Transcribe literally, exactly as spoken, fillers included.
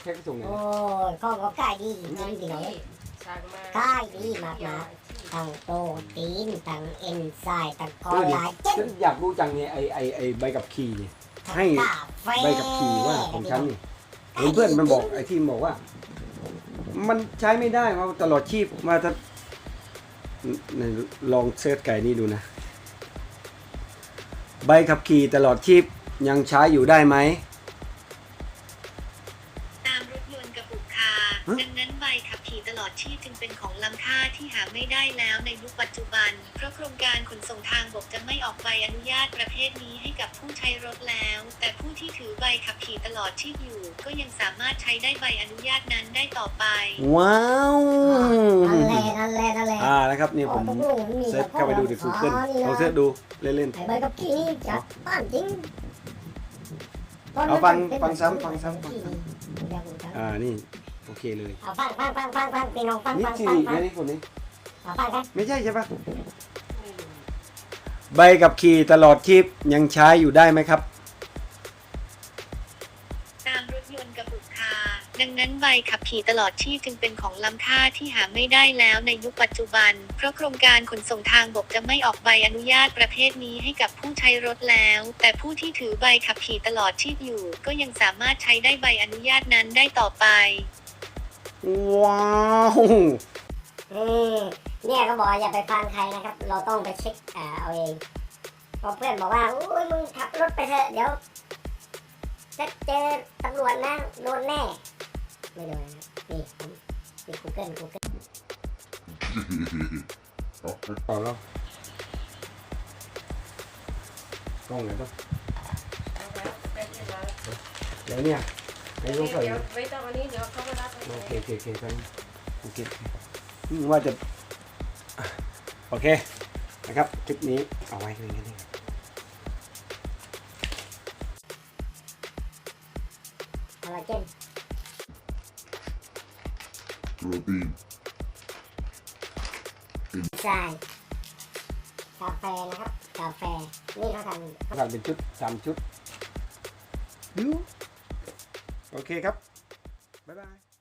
แค่ไปส่งไหนโอ้ยข้อก็ขายดีจริงๆพี่น้องขายดีมากมาทั้งโปรตีนทั้งเอนไซม์ทั้งคอลลาเจนอยากรู้จังเนี่ยไอไอไอใบกับขี่นี่ให้ใบกับขี่ว่าของฉันนี่เห็นเพื่อนมันบอกไอที่บอกว่า มันใช้ไม่ได้มาตลอดชีพมาถ้าลองเซิร์ชไก่นี่ดูนะใบขับขี่ตลอดชีพยังใช้อยู่ได้ไหมตามรถยนต์กระปุกคาดังนั้นใบขับขี่ตลอดชีพจึงเป็นของล้ำค่าที่หาไม่ได้แล้วในยุคปัจจุบันเพราะโครงการขนส่งทางบกจะไม่ออกใบอนุญาตประเภทนี้ให้กับผู้ใช้รถแล้วแต่ผู้ที่ถือใบขับขี่ตลอดชีพอยู่ก็ยังสามารถใช้ได้ใบอนุญาตนั้นได้ต่อไปว้าวนั่นแหละนั่นแหละนั่นแหละอ่านะครับนี่ผมเซิร์ชเข้าไปดูใน Google ลองเซิร์ชดูเล่นๆใบกับขี่นี่จัดบ้านจริงเอาฟังฟังซ้ำฟังซ้ำฟังซ้ำอ่านี่โอเคเลยเอาฟังฟังฟังฟังฟังพี่น้องฟังนี่ฟังสิฟังริฟังนี่คนนี้เอาฟังกันไม่ใช่ใช่ปะใบกับขี่ตลอดชีพยังใช้อยู่ได้ไหมครับตามรถยนต์กระปุกคาดังนั้นใบขับขี่ตลอดชีพจึงเป็นของล้ำค่าที่หาไม่ได้แล้วในยุคปัจจุบันเพราะโครงการขนส่งทางบกจะไม่ออกใบอนุญาตประเภทนี้ให้กับผู้ใช้รถแล้วแต่ผู้ที่ถือใบขับขี่ตลอดชีพอยู่ก็ยังสามารถใช้ได้ใบอนุญาตนั้นได้ต่อไปว้าวอืมเนี่ยก็บอกอย่าไปฟังใครนะครับเราต้องไปเช็คอ่าเอาเองพอเพื่อนบอกว่าโอ้ยมึงขับรถไปเถอะเดี๋ยวจะเจอตำรวจนะโดนแน่ไม่โดนนะนี่ผมนี่ Google Google ต่อแล้วกล้องไหนต้องเดี๋ยวเนี่ยไอ้ลูกใส่ไม่ต้องอันนี้เดี๋ยวเขามารับโอเคโอเคโอเคครับโอเคว่าจะโอเคนะครับคลิปนี้เอาไว้เพียงแค่นี้ครับคอลลาเจนโปรตีนใช่กาแฟนะครับกาแฟนี่เขาทำทำเป็นชุดสามชุดดูโอเคครับบ๊ายบาย